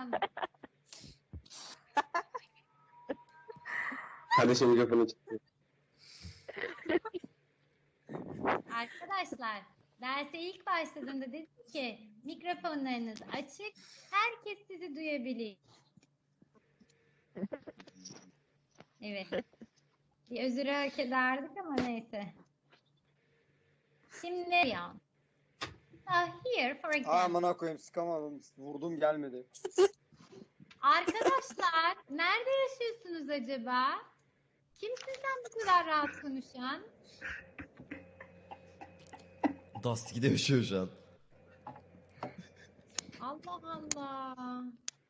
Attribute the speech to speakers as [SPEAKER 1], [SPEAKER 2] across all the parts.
[SPEAKER 1] Kardeşim mikrofonu çıktı.
[SPEAKER 2] Arkadaşlar derse ilk başladığımda dedim ki mikrofonlarınız açık, herkes sizi duyabilir. Evet. Bir özürü hak ederdik ama neyse. Şimdi ya. Here for example.
[SPEAKER 3] Amına koyayım, sıkamadım. Vurdum gelmedi.
[SPEAKER 2] Arkadaşlar nerede yaşıyorsunuz acaba? Kim sizden bu kadar rahat konuşan?
[SPEAKER 4] Dust yaşıyor şu an.
[SPEAKER 2] Allah Allah.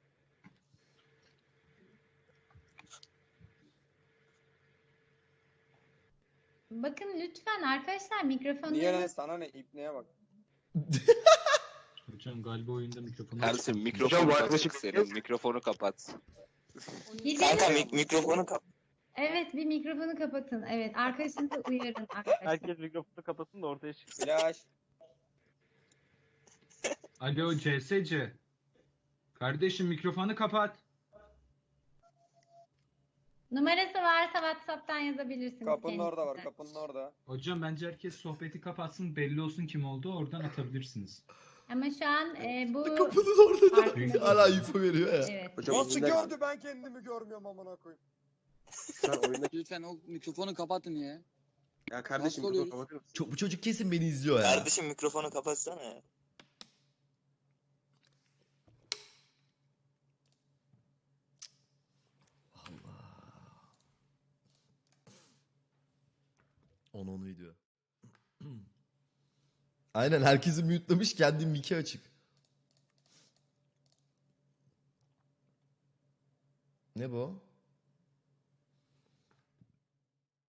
[SPEAKER 2] Bakın lütfen arkadaşlar mikrofonları...
[SPEAKER 3] Niye lan, sana ne, ipneye bak.
[SPEAKER 5] Hocam galiba oyunda mikrofonu
[SPEAKER 6] Ersin
[SPEAKER 1] Hocam,
[SPEAKER 6] mikrofonu
[SPEAKER 1] bu
[SPEAKER 6] açık
[SPEAKER 1] arkadaşım-
[SPEAKER 6] senin. Mikrofonu kapat.
[SPEAKER 2] Kanka
[SPEAKER 7] mikrofonu kapat.
[SPEAKER 2] Evet, bir mikrofonu kapatın. Evet, arkadaşınızı uyarın arkadaşlar.
[SPEAKER 8] Herkes mikrofonu kapatsın da ortaya çıksın.
[SPEAKER 3] Flash.
[SPEAKER 5] Alo CSC. Kardeşim mikrofonu kapat.
[SPEAKER 2] Numarası varsa WhatsApp'tan yazabilirsiniz.
[SPEAKER 3] Kapının orada var,
[SPEAKER 2] kendisine.
[SPEAKER 3] kapının orada.
[SPEAKER 5] Hocam bence herkes sohbeti kapatsın, belli olsun kim olduğu, oradan atabilirsiniz.
[SPEAKER 2] Ama şu an bu...
[SPEAKER 4] Kapının orada
[SPEAKER 2] Farkında
[SPEAKER 4] hala
[SPEAKER 2] değilim.
[SPEAKER 4] info veriyor ya.
[SPEAKER 2] Evet.
[SPEAKER 1] Hocam
[SPEAKER 3] Nasıl
[SPEAKER 1] oyunda-
[SPEAKER 3] gördü, ben kendimi görmüyorum amına koyayım.
[SPEAKER 1] Sen oyundaki...
[SPEAKER 7] Lütfen o mikrofonu kapatın ya.
[SPEAKER 1] Ya kardeşim
[SPEAKER 7] Nasıl
[SPEAKER 1] mikrofonu
[SPEAKER 7] oluyoruz?
[SPEAKER 1] kapatır mısın?
[SPEAKER 4] Çok, bu çocuk kesin beni izliyor ya.
[SPEAKER 7] Kardeşim mikrofonu kapatsana ya.
[SPEAKER 4] Onu diyor. Aynen, herkesi mute'lamış, kendi mic'i açık. Ne bu?